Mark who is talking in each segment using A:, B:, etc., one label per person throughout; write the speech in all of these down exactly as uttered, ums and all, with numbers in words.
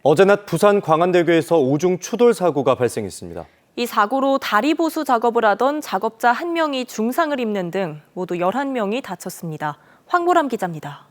A: 어제 낮 부산 광안대교에서 오중 추돌 사고가 발생했습니다.
B: 이 사고로 다리 보수 작업을 하던 작업자 한 명이 중상을 입는 등 모두 열한 명이 다쳤습니다. 황보람 기자입니다.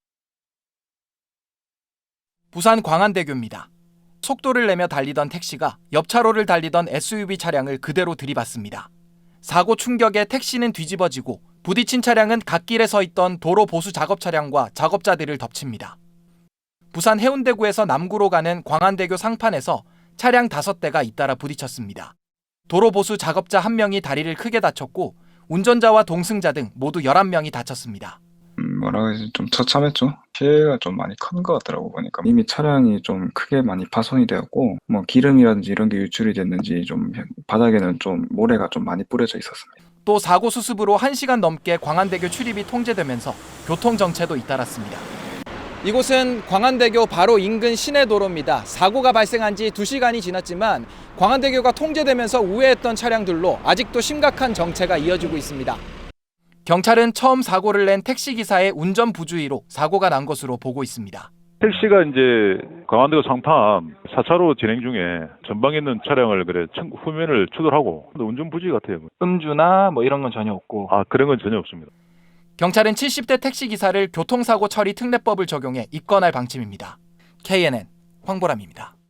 C: 부산 광안대교입니다. 속도를 내며 달리던 택시가 옆 차로를 달리던 에스유브이 차량을 그대로 들이받습니다. 사고 충격에 택시는 뒤집어지고 부딪힌 차량은 갓길에 서 있던 도로 보수 작업 차량과 작업자들을 덮칩니다. 부산 해운대구에서 남구로 가는 광안대교 상판에서 차량 다섯 대가 잇따라 부딪혔습니다. 도로 보수 작업자 한 명이 다리를 크게 다쳤고 운전자와 동승자 등 모두 열한 명이 다쳤습니다.
D: 음, 뭐라고 해야지 좀 처참했죠. 피해가 좀 많이 큰 것 같더라고 보니까. 이미 차량이 좀 크게 많이 파손이 되었고 뭐 기름이라든지 이런 게 유출이 됐는지 좀 바닥에는 좀 모래가 좀 많이 뿌려져 있었습니다.
C: 또 사고 수습으로 한 시간 넘게 광안대교 출입이 통제되면서 교통 정체도 잇따랐습니다. 이곳은 광안대교 바로 인근 시내도로입니다. 사고가 발생한 지 두 시간이 지났지만 광안대교가 통제되면서 우회했던 차량들로 아직도 심각한 정체가 이어지고 있습니다. 경찰은 처음 사고를 낸 택시기사의 운전 부주의로 사고가 난 것으로 보고 있습니다.
E: 택시가 이제 광안대교 상판 사 차로 진행 중에 전방에 있는 차량을 그래 후면을 추돌하고 운전 부주의 같아요.
F: 음주나 뭐 이런 건 전혀 없고.
E: 아 그런 건 전혀 없습니다.
C: 경찰은 칠십 대 택시기사를 교통사고 처리 특례법을 적용해 입건할 방침입니다. 케이엔엔 황보람입니다.